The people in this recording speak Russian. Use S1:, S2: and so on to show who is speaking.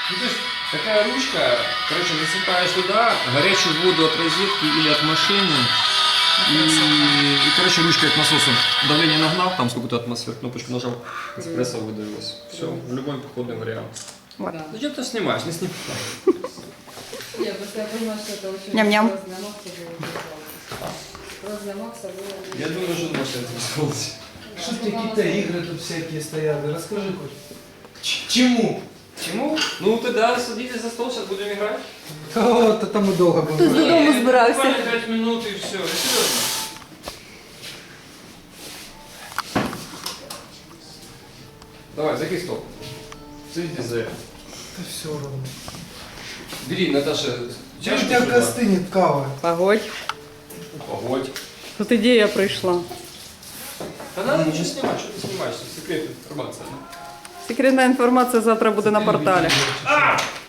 S1: Ну, то есть такая ручка, короче, насыпаешь туда горячую воду от розетки или от машины. И, короче, ручкой к насосу давление нагнал, там сколько-то атмосфер, кнопочку нажал, эспрессо выдавилось. Все, в любой походный вариант.
S2: Вот.
S3: Да.
S1: Зачем ты снимаешь? Не снимай.
S3: Нет, просто я понимаю, что это очень
S2: Ням-ням.
S3: спрос для Макса было. Спрос для Макса было.
S1: Я думаю, что Маша это воспользовалась.
S4: Что какие-то игры тут всякие стоят? Расскажи хоть. К чему?
S1: Чему? Ну тогда садитесь за стол, сейчас будем играть.
S4: Кого-то там и долго
S2: Хтось
S4: будем.
S2: додому збирався.
S1: Буквально 5 минут и все. Серьезно. Давай, закинь стол. Садитесь за это.
S4: Да все равно.
S1: Бери, Наташа,
S4: У
S1: чашку
S4: тебя
S1: сюда.
S4: остынет кава.
S2: Погодь.
S1: Погодь.
S2: Тут ідея прийшла.
S1: Да надо ничего снимать, что ты снимаешь? Секретная информация.
S2: Секретна інформація завтра буде на порталі.